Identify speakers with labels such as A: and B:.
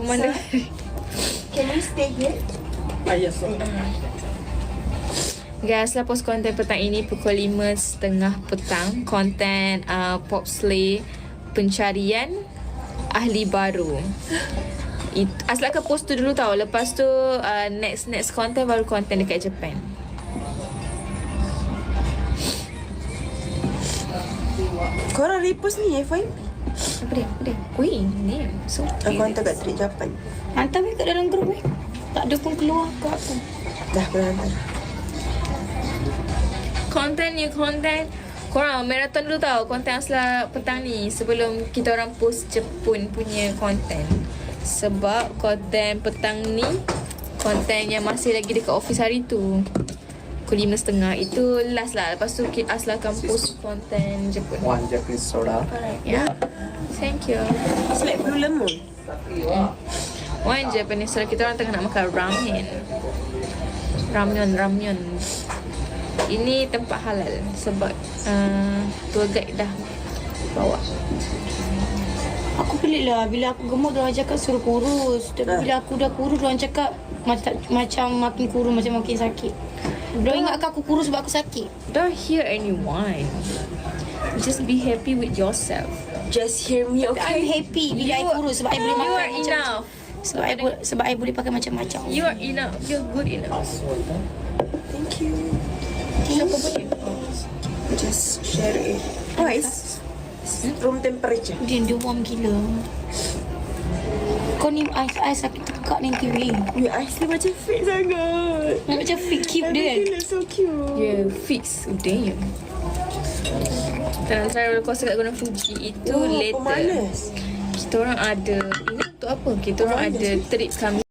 A: pemandangan.
B: Can we stay here?
C: Yes.
A: Guys, lah post konten petang ini pukul 5.30 petang. Konten Pop Slay pencarian ahli baru. Asalkan post tu dulu tau. Lepas tu next konten baru konten dekat Japan.
B: Korang repost ni FYP.
A: Apa dia? Ui, ni so
B: Aku hantar kat Trip Japan.
D: Hantar kat dalam grup tak ada pun keluar ke apa.
B: Dah aku dah hantar.
A: New content. Korang marathon dulu tau konten Asla petang ni sebelum kita orang post Jepun punya konten. Sebab konten petang ni konten yang masih lagi dekat office hari tu. Pukul 5.30 itu last lah. Lepas tu Asla akan post konten Jepun.
C: One Japanese soda.
A: Ya. Thank you.
B: It's like Blue Lemon.
A: One Japanese soda. Kita orang tengah nak makan ramen. Ramyeon. Ini tempat halal sebab tour guide dah bawa.
D: Aku pelik lah. Bila aku gemuk, diorang cakap suruh kurus. Tapi bila aku dah kurus, diorang cakap macam makin kurus, macam makin sakit. Diorang ingatkan aku kurus sebab aku sakit.
A: Don't hear anyone. Just be happy with yourself.
B: Just hear me,
D: I'm
B: okay?
D: happy bila I kurus sebab I boleh
A: You
D: makan
A: are enough.
D: sebab I boleh pakai macam-macam.
A: You are enough. You're good enough.
B: Thank you.
A: Siapa punya?
B: Just share it. Twice. Room temperature.
D: Dia warm gila. Kau ni I sakit tekak nanti weh.
B: Your eyes ni macam fit sangat.
D: Macam fit cute dia kan.
B: Everything looks so cute.
A: Yeah, fix. Oh, damn. Kita nak try roller coaster kat Gunung Fuji itu
B: Oh,
A: later.
B: pemanas.
A: Kita orang ada ini untuk apa? Kita orang ada trip kami